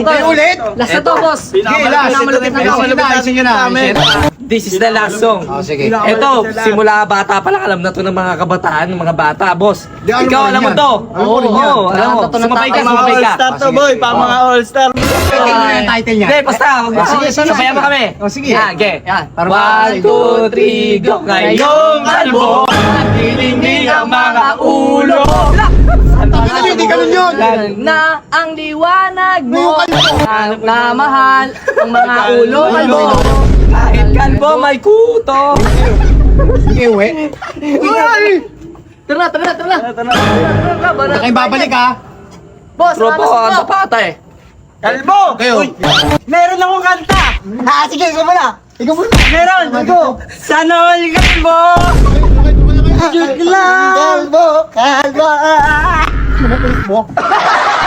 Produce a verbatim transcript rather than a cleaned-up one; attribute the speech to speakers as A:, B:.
A: to.
B: Ulit?
A: Last na to, boss.
B: Sige, last.
A: Pinakamalupit na
B: Ayusin nyo na, ayusin nyo na. ayusin nyo na.
C: This is the last song.
B: Oh, sige.
C: Ito, simula bata pa lang alam na to ng mga kabataan, ng mga bata, boss.
B: Di, alam
C: Ikaw
B: mo rin
C: alam mo
B: yan.
C: to.
B: Alam mo rin yan.
C: Oo, alam mo.
A: Lahat na to ng
C: Sumabay ka,
A: tatay.
C: sumabay ka.
D: All-star to boy, pa mga all-star.
B: Tingnan mo yung title niya.
C: Hindi, basta.
B: Ah, sige, sige,
C: Sabayan mo
B: sige.
C: kami.
B: Oh, sige.
C: Ah, okay.
A: Yan.
B: Para
C: One,
B: makakasay.
C: two, three, go. Ngayong kalbo, nagdilingding ang mga ulo.
B: Hindi, hindi ganun yun.
A: Na ang liwanag mo,
B: Ngayong
A: hanap na mahal, ang mga ulo kalbo.
C: Kahit kalbo, may kuto.
B: Sige, uwi.
A: Tara na, tara na, tara na.
B: Huwag kayong babalik ha.
A: Boss,
C: Tropo,
A: salamat
C: ang
A: sa
C: tapata eh.
D: Kalbo!
B: Kayo.
D: Meron akong kanta!
B: Ah, sige, ikaw muna. Ikaw muna.
D: Meron! Go! Sana all kalbo! Joke lang!
B: Kalbo, kalbo. Ano mo?